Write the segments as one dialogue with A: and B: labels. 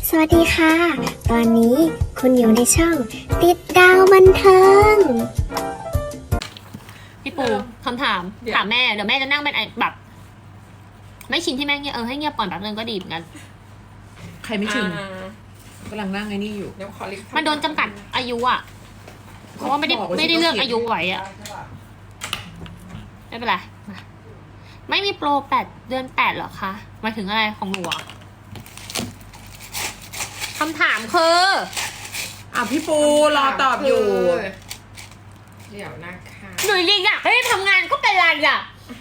A: สวัสดีค่ะ ตอนนี้คุณอยู่ในช่องติดดาวบันเทิง
B: พี่ปูคำถามถามแม่เดี๋ยวแม่จะนั่งเป็นแบบ ไม่ชินที่แม่เงียบให้เงียบก่อนแบบนึงก็ดีเหมือนกัน
C: ใครไม่ชินกำลังนั่งไอ้นี่อยู่
D: เดี๋ยวขอลิฟต์
B: มันโดนจำกัดอายุอ่ะเพราะว่าไม่ได้เลือกอายุไว้อ่ะไม่เป็นไรมาไม่มีโปร8 เดือน 8หรอคะหมายถึงอะไรของหนูอ่ะคำถามคือ
C: พี่ปูรอตอบอยู่
D: เดี๋ยวนะคะ
B: หนูอยากให้ทำงานก็เป็นไรอ่ะ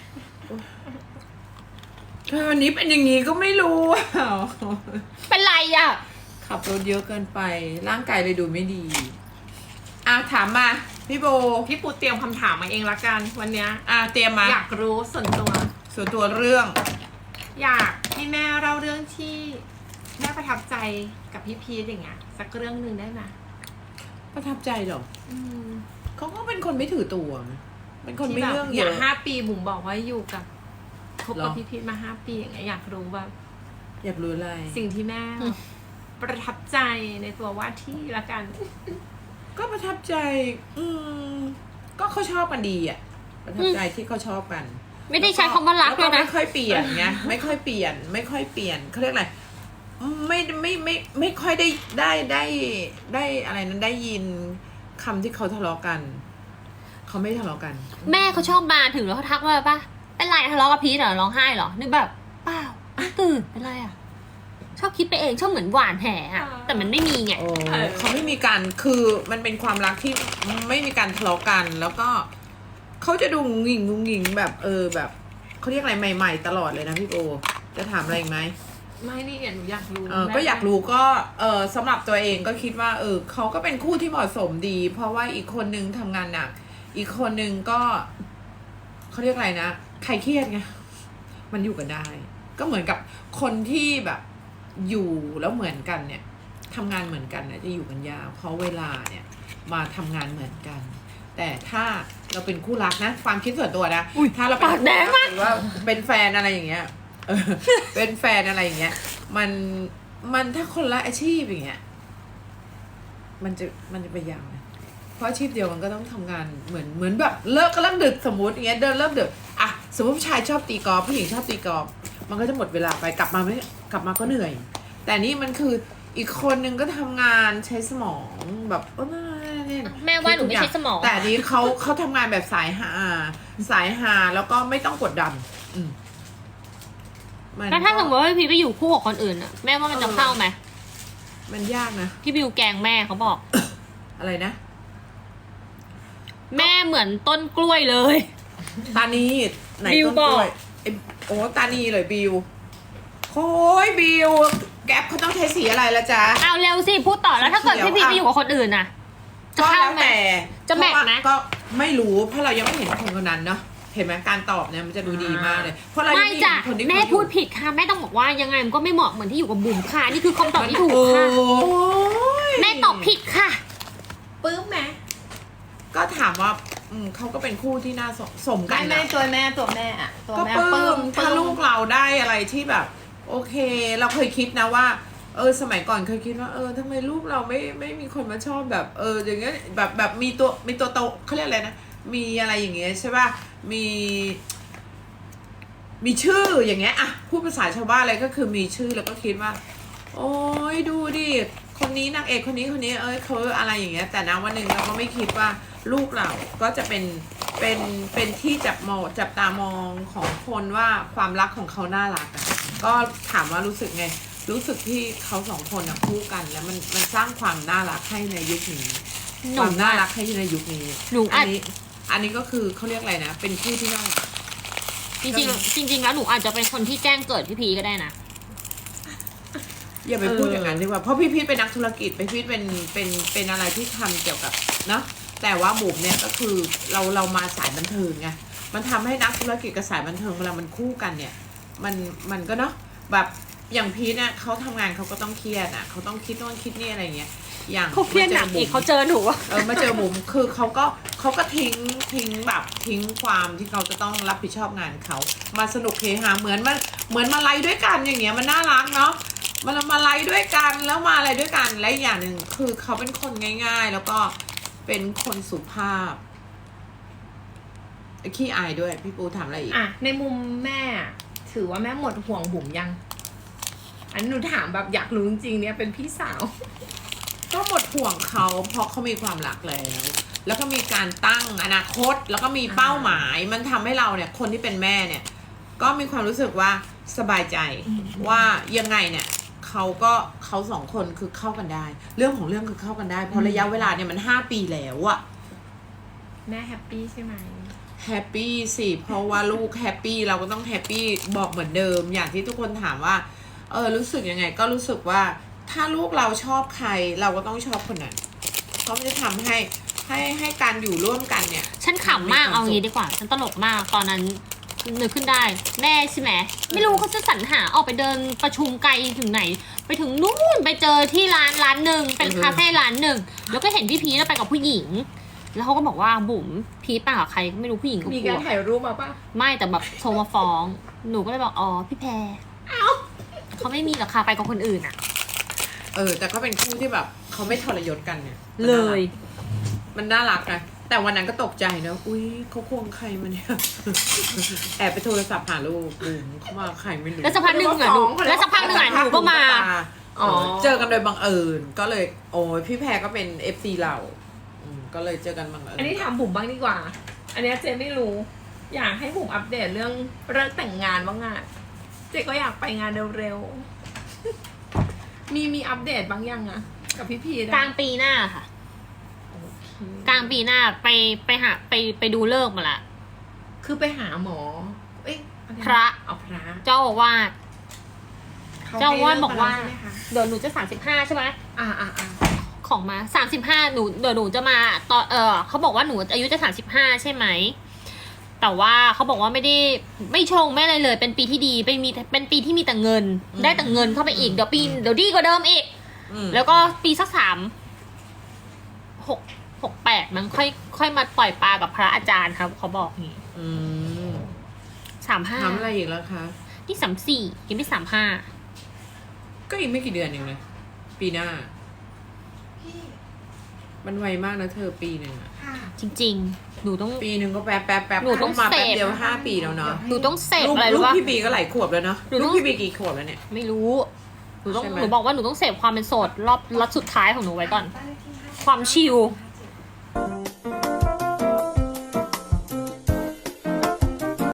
C: วันนี้เป็นอย่างนี้ก็ไม่รู้
B: เป็นไรอ่ะ
C: ขับรถเยอะเกินไป ร่างกายเลยดูไม่ดีถามมาพี่โบ
D: พี่ปูเตรียมคำถามมาเองละกันวันเนี้ย
C: เตรียมมา
D: อยากรู้ส่วนตัว
C: เรื่อง
D: อยากให้แม่เล่าเรื่องที่แม่ประทับใจกับพี่พีทอย่างเงี้ยสักเรื่องหนึ่งได้ไหม
C: ประทับใจเหรอเขาก็เป็นคนไม่ถือตัวนะเป็นคนไม่เรื่องเย
D: ย่าง
C: อะ
D: 5 ปีบุ๋มบอกว่าอยู่กับคบกับพี่พีทมา5 ปีอย่างเงี้ยอยากรู้ว่า
C: อยากรู้อะไร
D: สิ่งที่แม่ประทับใจในตัวว่าที่ละกัน
C: ก็ประทับใจ ก็เขาชอบกันดีอ่ะ ประทับใจที่เขาชอบกัน
B: ไม่ได้ใช้คำว่ารักเลยนะ
C: ไม่ค่อยเปลี่ยนไงไม่ค่อยเปลี่ยนเขาเรียกอะไรไม่ค่อยได้อะไรนั้นได้ยินคำที่เขาทะเลาะกันเขาไม่ทะเลาะกัน
B: แม่เขาชอบมาถึงแล้วเขาทักว่าป่ะเป็นไรทะเลาะกับพีทเหรอร้องไห้เหรอนึกแบบเปล่าตื่นเป็นไรอ่ะชอบคิดไปเองชอบเหมือนหวานแหอะแต่มันไม่มีไง
C: เขาไม่มีการคือมันเป็นความรักที่ไม่มีการทะเลาะกันแล้วก็เขาจะดูงุงงิงแบบแบบเขาเรียกอะไรใหม่ๆตลอดเลยนะพี่โบจะถามอะไรอีกไหม
D: ไม่นี่หนูอยากรู้
C: ก็อยากรู้ก็สำหรับตัวเองก็คิดว่าเขาก็เป็นคู่ที่เหมาะสมดี เพราะว่าอีกคนนึงทำงานหนักอีกคนนึงก็เขาเรียกอะไรนะใครเครียดไงมันอยู่กันได้ ก็เหมือนกับคนที่แบบอยู่แล้วเหมือนกันเนี่ยทำงานเหมือนกันเนี่ยจะอยู่กันยาวเพราะเวลาเนี่ยมาทำงานเหมือนกัน แต่ถ้าเราเป็นคู่รักนะความคิดส่วนตัวนะถ้าเราเป็นคู่รักหรือว่าเป็นแฟนอะไรอย่างเงี้ยเป็นแฟนอะไรอย่างเงี้ยมันถ้าคนละอาชีพอย่างเงี้ยมันจะไปยาวนะเพราะอาชีพเดียวมันก็ต้องทำงานเหมือนแบบเลิกดึกสมมติอย่างเงี้ยเดินเลิกดึกสมมติผู้ชายชอบตีกอล์ฟผู้หญิงชอบตีกอล์ฟมันก็จะหมดเวลาไปกลับมาก็เหนื่อยแต่นี่มันคืออีกคนนึงก็ทำงานใช้สมองแบบ
B: แม่ว่าหนูไม่ใช้สมอง
C: แต่อันนี้เขาทำงานแบบสายหาแล้วก็ไม่ต้องกดดัน
B: แล้วถ้าสมมติว่าพี่ไปอยู่คู่กับคนอื่นอะแม่ว่ามันจะเข้าไหม
C: มันยากนะ
B: พี่บิวแกงแม่เขาบอก
C: อะไรนะ
B: แม่เหมือนต้นกล้วยเลย
C: ตานีไหน
B: บิว
C: ต้น
B: บอก
C: กล้วยโอ้ตานีเลยบิวโอ้ยบิวแก๊ปเขาต้องใช้สีอะไรละจ๊ะ
B: เอาเร็วสิพูดต่อแล้วถ้าเกิดพี่พีไปอยู่กับคนอื่นน่ะจะ
C: ก็
B: เข้า
C: แล้ว
B: ไหม
C: แต่
B: จะแมทไหม
C: ก็ไม่รู้เพราะเรายังไม่เห็นคนคนนั้นเนาะเห็นไหมการตอบเนี่ยมันจะดูดีมากเลยเพราะเรายัง
B: ไม่
C: ไม่
B: จ้ะ
C: เห็นคนที่
B: แม่พูดผิดค่ะแม่ต้องบอกว่ายังไงมันก็ไม่เหมาะเหมือนที่อยู่กับบุ๋มค่ะนี่คือคำตอบที่ถูกค่ะ
C: โอ้ย
B: แม่ตอบผิดค่ะ
D: ปื้มไหม
C: ก็ถามว่าเขาก็เป็นคู่ที่น่าสมกัน
D: ไม่
C: นะ
D: ตัวแม่อะตัว
C: ก็
D: แม่
C: ปลื้มถ้าลูกเราได้อะไรที่แบบ โอเค เราเคยคิดนะว่าสมัยก่อนเคยคิดว่าทำไมลูกเราไม่มีคนมาชอบแบบอย่างเงี้ยแบบมีตัวโตเขาเรียกอะไรนะมีอะไรอย่างเงี้ยใช่ป่ะมีชื่ออย่างเงี้ยพูดภาษาชาวบ้านอะไรก็คือมีชื่อแล้วก็คิดว่า โอ้ยดูดิคนนี้นางเอกคนนี้เขาอะไรอย่างเงี้ยแต่นะวันหนึ่งเราก็ไม่คิดว่าลูกเราก็จะเป็นที่จับตามองของคนว่าความรักของเขาน่ารักก็ถามว่ารู้สึกไงรู้สึกที่เขาสองคนคู่กันแล้วมันสร้างความน่ารักให้ในยุคนี้ความน่ารักให้ในยุคนี้อันนี้ก็คือเขาเรียกอะไรนะเป็นคู่ที่น่ารัก
B: จริงแล้วหนูอาจจะเป็นคนที่แจ้งเกิดพี่พีก็ได้นะ
C: อย่าไปพูดอย่างนั้นดีกว่าเพราะพี่พีทเป็นนักธุรกิจพี่พีทเป็นอะไรที่ทำเกี่ยวกับเนาะแต่ว่าบุ๋มเนี่ยก็คือเรามาสายบันเทิงไงมันทำให้นักธุรกิจกับสายบันเทิงเวลามันคู่กันเนี่ยมันก็เนาะแบบอย่างพีทเนี่ยเขาทำงานเขาก็ต้องเครียดเขาต้องคิดโน่นคิดนี่อะไรเงี้ยอย่าง
B: เขาเครียดหนักอีกเขาเจอหนู
C: มาเจอบุ๋มคือเขาก็ทิ้งแบบทิ้งความที่เขาจะต้องรับผิดชอบงานเขามาสนุกเฮฮาเหมือนมาไลฟ์ด้วยกันอย่างเงี้ยมันน่ารักเนาะมาไลฟ์ด้วยกันแล้วมาอะไรด้วยกันและอีกอย่างหนึ่งคือเขาเป็นคนง่าย ๆ แล้วก็เป็นคนสุภาพขี้อายด้วยพี่ปูถามอะไรอีก
D: อ่ะในมุมแม่ถือว่าแม่หมดห่วงบุ๋มยัง อันนี้หนูถามแบบอยากรู้จริงๆเนี่ยเป็นพี่สาว
C: ก็หมดห่วงเขาเพราะเขามีความรักแล้วก็มีการตั้งอนาคตแล้วก็มีเป้าหมายมันทำให้เราเนี่ยคนที่เป็นแม่เนี่ยก็มีความรู้สึกว่าสบายใจว่ายังไงเนี่ยเขาสองคนคือเข้ากันได้ เรื่องของเรื่องคือเข้ากันได้เพราะระยะเวลาเนี่ยมัน5 ปีแล้วอะ
D: แม่แฮปปี้ใช่ไหม
C: แฮปปี้สิเพราะว่าลูกแฮปปี้เราก็ต้องแฮปปี้บอกเหมือนเดิมอย่างที่ทุกคนถามว่ารู้สึกยังไงก็รู้สึกว่าถ้าลูกเราชอบใครเราก็ต้องชอบคนนั้นเพราะมันจะทำให้การอยู่ร่วมกันเนี่ย
B: ฉันขำมากเอางี้ดีกว่า ฉันตลกมากตอนนั้นนึกขึ้นได้แม่ใช่ไหมไม่รู้เขาจะสรรหาออกไปเดินประชุมไกลถึงไหน ไปถึงนู่นไปเจอที่ร้านหนึ่งเป็นคาเฟ่ร้านหนึ่งแล้วก็เห็นพี่พีชไปกับผู้หญิง แล้วเขาก็บอกว่าบุ๋มพีชไปกับใครไม่รู้ผู้หญิงก็
D: มี
B: กลั
D: การ
B: ว
D: ถ่ายรูปมาปะ
B: ไม่แต่แบบโทรมาฟ้องหนูก็เลยบอกอ๋อพี่แพรเขาไม่มีหรอกค่ะไปกับคนอื่นอ่ะ
C: แต่ก็เป็นคู่ที่แบบเขาไม่ทรยศกันเนี่ย
B: เลย
C: มันน่ารักนะแต่วันนั้นก็ตกใจนะอุ้ยเขาควงใครมาเนี่ย แอบไปโทรศัพท์หาลูกเขามาใครไม่รู้
B: แล้วสักพักหนึ่งอ่ะหนูแล้วสักพักหนึ่งอ่ะหนูก็มา
D: อ๋อ
C: เจอกันโดยบังเอิญก็เลยโอ้ยพี่แพรก็เป็น FC เราก็เลยเจอกันบังเอิญ
D: อันนี้ถามบุ๋มบ้างดีกว่า อันเนี้ยเจไม่รู้ อยากให้บุ๋มอัปเดตเรื่องเลิกแต่งงานบ้างอ่ะเจก็อยากไปงานเร็วๆมีอัปเดตบ้างยังอะกับพี่พีนะ
B: กลางปีหน้าค่ะ กลางปีหน้าไปดูเลิกษ์มาละ
D: คือไปหาหมอ เอ้ยอไน
B: พระ
D: เอาพระ
B: เจ้าอาวาส
D: เขา
B: เจ้าอาวาส
D: ให้เลิ
B: บอกว่า
D: มแล้ใช่ไหมคะ
B: เดี๋ยวหนูจะ35ใช่ไหม
D: อ่า
B: ของมา35เดี๋ยวหนูจะมาตอนเขาบอกว่าหนูอายุจะ35ใช่ไหมแต่ว่าเขาบอกว่าไม่ชงไม่อะไรเลย เป็นปีที่ดีเป็นปีที่มีแต่เงิน ได้แต่เงินเข้าไปอีกเดี๋ยวดีกว่าเดิมอีก แล้วก็ปีสัก6-8มันค่อยมาปล่อยปลากับพระอาจารย์ครับเขาบอกอย่างงี้
C: ทำอะไร
B: 35
C: อีกแล้วคะ
B: นี่34ยังไม่35
C: ก็อีกไม่กี่เดือนเองนะปีหน้า
D: พี่
C: มันไวมากนะเธอปีหนึ่งอะ
D: ค่ะ
B: จริงๆหนูต้อง
C: ปีหนึ่งก็แป๊บ
B: หนูต้อง
C: มาแป๊บ
B: เสพ
C: เดียว5 ปีแล้วเนาะ
B: หนูต้องเสพ
C: ลูก
B: อะไรรู้
C: ลูก
B: ปะ
C: พี่บีก็หลายขวบแล้วเนาะ
B: หนูต้
C: ลู
B: อก ง
C: พี่บีกี่ขวบแล้วเนี่ย
B: ไม่รู้หนูต้อง
C: ใช่ไหม
B: หนูบอกว่าหนูต้องเสพความเป็นโสดรอบสุดท้ายของหนูไว้ก่อน
D: บ้านเลขที่ห้า
B: ความชิล